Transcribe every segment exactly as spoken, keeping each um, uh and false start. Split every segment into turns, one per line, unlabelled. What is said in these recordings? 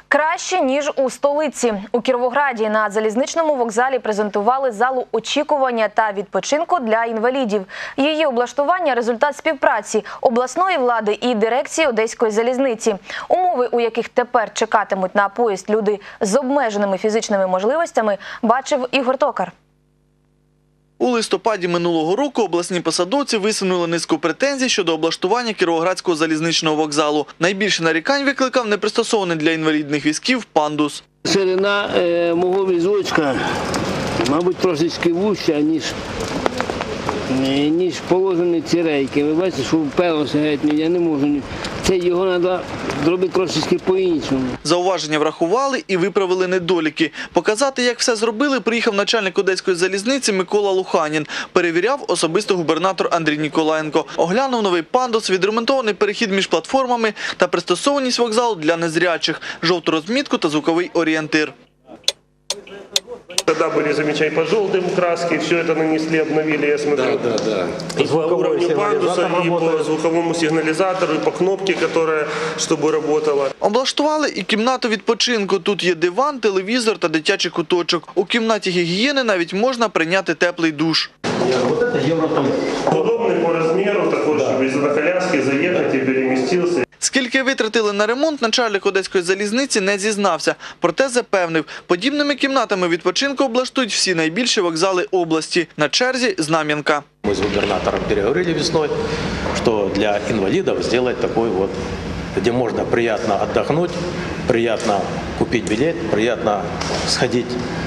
Краще, ніж у столиці. У Кіровограді на залізничному вокзалі презентували залу очікування та відпочинку для інвалідів. Її облаштування – результат співпраці обласної влади і дирекції Одеської залізниці. Умови, у яких тепер чекатимуть на поїзд люди з обмеженими фізичними можливостями, бачив Ігор Токар.
У листопаді минулого року обласні посадовці висунули низку претензій щодо облаштування Кіровоградського залізничного вокзалу. Найбільше нарікань викликав непристосований для інвалідних візків пандус.
Ширина е, мого візочка, мабуть, трошечки вуща, ніж, ніж положені ці рейки. Ви бачите, що вперлося геть, я не можу. Це його треба зробити трошечки по-іншому.
Зауваження врахували і виправили недоліки. Показати, як все зробили, приїхав начальник Одеської залізниці Микола Луханін. Перевіряв особисто губернатор Андрій Ніколаєнко. Оглянув новий пандус, відремонтований перехід між платформами та пристосованість вокзалу для незрячих, жовту розмітку та звуковий орієнтир.
Тогда были замечания по желтым краске, все это нанесли, обновили, я смотрю, да, да, да. И по уровню пандуса, и по звуковому сигнализатору, и по кнопке, которая, чтобы работала.
Облаштували і кімнату відпочинку. Тут є диван, телевізор та дитячий куточок. У кімнаті гігієни навіть можна прийняти теплий душ.
Удобный по размеру, такой, чтобы из-за коляски заехать и переместился.
Скільки витратили на ремонт, начальник Одеської залізниці не зізнався. Проте запевнив, подібними кімнатами відпочинку облаштують всі найбільші вокзали області. На черзі Знам'янка.
Мы с губернатором переговорили весной, что для инвалидов сделать такой вот, где можно приятно отдохнуть, приятно купить билет, приятно сходить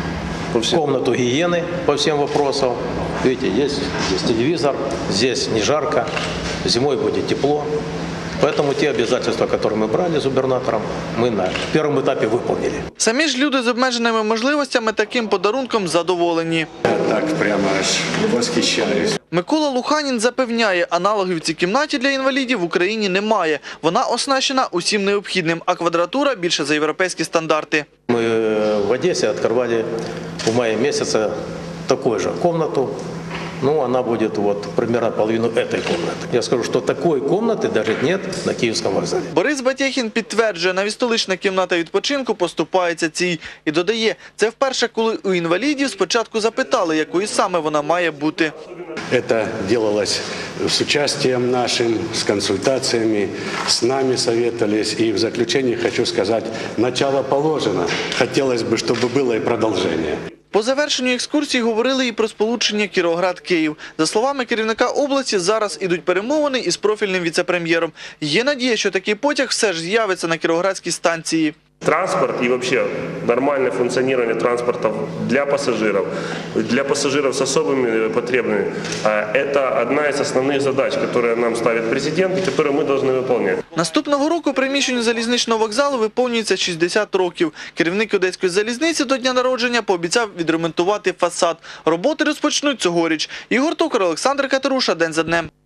в комнату гигиены по всем вопросам. Видите, есть здесь телевизор, здесь не жарко, зимой будет тепло. Поэтому те обязательства, которые мы брали с губернатором, мы на первом этапе выполнили.
Самі ж люди з обмеженими можливостями таким подарунком задоволені.
Я так прямо аж восхищаюсь.
Микола Луханін запевняє, аналогів цій кімнаті для інвалідів в Україні немає. Вона оснащена усім необхідним, а квадратура більше за європейські стандарти.
Мы в Одессе открывали в мае месяце такую же комнату. Ну, она будет вот примерно половину этой комнаты. Я скажу, что такой комнаты даже нет на Київському вокзалі.
Борис Батєхін підтверджує, навіть столична кімната відпочинку поступається цій. І додає, це вперше, коли у інвалідів спочатку запитали, якою саме вона має бути.
Это делалось с участием нашим, с консультациями, с нами советовались. И в заключение хочу сказать, начало положено. Хотелось бы, чтобы было и продолжение.
По завершенню екскурсії говорили і про сполучення Кіровоград-Київ. За словами керівника області, зараз ідуть перемовини із профільним віце-прем'єром. Є надія, що такий потяг все ж з'явиться на Кіровоградській станції.
Транспорт и вообще нормальное функционирование транспорта для пассажиров, для пассажиров с особыми потребностями – это одна из основных задач, которые нам ставит президент и которые мы должны выполнять.
Наступного року приміщенню залізничного вокзалу виповнюється шістдесят років. Керівник Одеської залізниці до дня народження пообіцяв відремонтувати фасад. Роботи розпочнуть цьогоріч. Ігор Токар, Олександр Катеруша. День за днем.